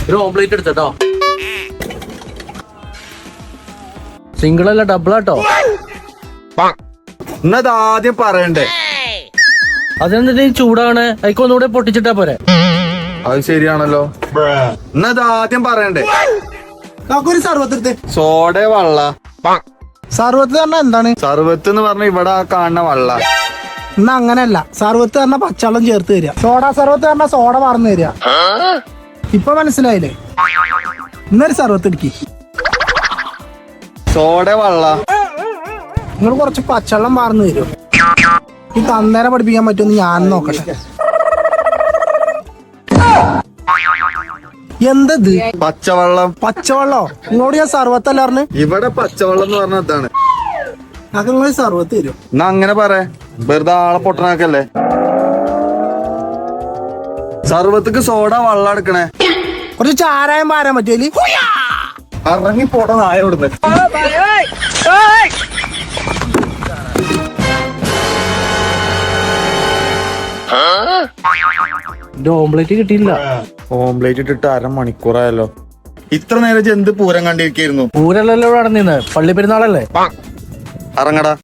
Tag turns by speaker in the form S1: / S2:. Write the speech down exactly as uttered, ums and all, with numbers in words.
S1: ഒരു ഓംപ്ലേറ്റ് എടുത്തോ. സിംഗിൾ അല്ല ഡബിൾ ആട്ടോ.
S2: എന്നത് ആദ്യം പറയണ്ടേ.
S1: അതെന്താ ചൂടാണ്, അയക്കൊന്നുകൂടെ പൊട്ടിച്ചിട്ടാ പോരെ.
S2: അത് ശരിയാണല്ലോ. എന്നത് ആദ്യം പറയണ്ടേ.
S3: ഒരു സർവത്ത്
S2: സോഡ വള്ള.
S3: സർവത്ത് പറഞ്ഞാ എന്താണ്?
S2: സർവത്ത് എന്ന് പറഞ്ഞ ഇവിടെ ആ കാണുന്ന വള്ള.
S3: എന്നാ അങ്ങനെയല്ല, സർവത്ത് പറഞ്ഞ പച്ചവെള്ളം ചേർത്ത് തരിക. സോഡ സർവത്ത് പറഞ്ഞ സോഡ പറന്ന് തരിക. ഇപ്പൊ മനസ്സിലായില്ലേ? ഇന്നൊരു സർവത്ത് ഇടിക്കി.
S2: സോഡ വള്ള.
S3: നിങ്ങൾ കുറച്ച് പച്ചവെള്ളം പാർന്ന് തരുമോ? ഈ തന്നേരെ പഠിപ്പിക്കാൻ പറ്റുമെന്ന് ഞാൻ നോക്കട്ടെ. എന്തത്?
S2: പച്ചവെള്ളം.
S3: പച്ചവെള്ളോ? നിങ്ങളോട് ഞാൻ സർവത്തല്ല പറഞ്ഞു.
S2: ഇവിടെ പച്ചവെള്ളം എന്ന് പറഞ്ഞ ഇതാണ്.
S3: അതൊക്കെ നിങ്ങൾ സർവത്ത് തരും.
S2: എന്നാ അങ്ങനെ പറ, വെറുതെ ആളെ പൊട്ടനാക്കല്ലേ. സർവത്തക്ക് സോഡ വള്ള എടുക്കണേ.
S3: കുറച്ച് ചാരായം പാരാൻ പറ്റുമല്ലേ?
S2: ഇറങ്ങി പോട നായ ഇവിടുന്ന്.
S1: എന്റെ ഓംപ്ലേറ്റ് കിട്ടിയില്ല.
S2: ഓംപ്ലേറ്റ് ഇട്ടിട്ട് അരമണിക്കൂറായല്ലോ. ഇത്ര നേരം എന്ത് പൂരം കണ്ടിരിക്കായിരുന്നു.
S1: പൂരല്ലല്ലോ ഇവിടെ നടന്നിന്ന്, പള്ളി പെരുന്നാളല്ലേ.
S2: ഇറങ്ങടാ.